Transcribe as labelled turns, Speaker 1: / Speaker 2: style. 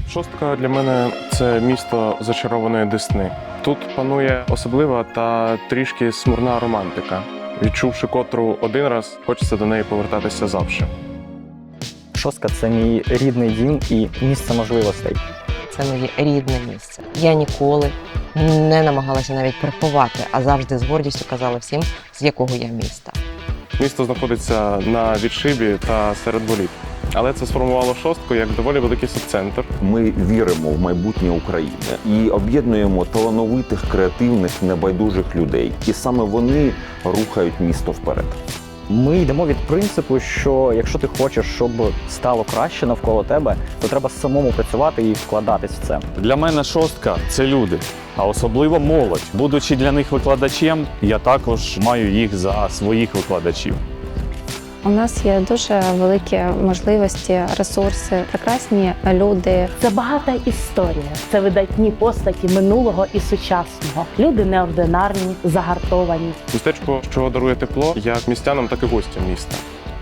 Speaker 1: Шостка для мене це місто зачарованої Десни. Тут панує особлива та трішки смурна романтика. Відчувши котру один раз, хочеться до неї повертатися завжди.
Speaker 2: Шостка – це мій рідний дім і місце можливостей.
Speaker 3: Це моє рідне місце. Я ніколи не намагалася навіть приховати, а завжди з гордістю казала всім, з якого я міста.
Speaker 1: Місто знаходиться на відшибі та серед боліт. Але це сформувало шостку як доволі великий субцентр.
Speaker 4: Ми віримо в майбутнє України і об'єднуємо талановитих, креативних, небайдужих людей. І саме вони рухають місто вперед.
Speaker 2: Ми йдемо від принципу, що якщо ти хочеш, щоб стало краще навколо тебе, то треба самому працювати і вкладатись в це.
Speaker 5: Для мене шостка – це люди, а особливо молодь. Будучи для них викладачем, я також маю їх за своїх викладачів.
Speaker 6: У нас є дуже великі можливості, ресурси, прекрасні люди.
Speaker 7: Це багата історія, це видатні постаті минулого і сучасного. Люди неординарні, загартовані.
Speaker 1: Містечко, що дарує тепло як містянам, так і гостям міста.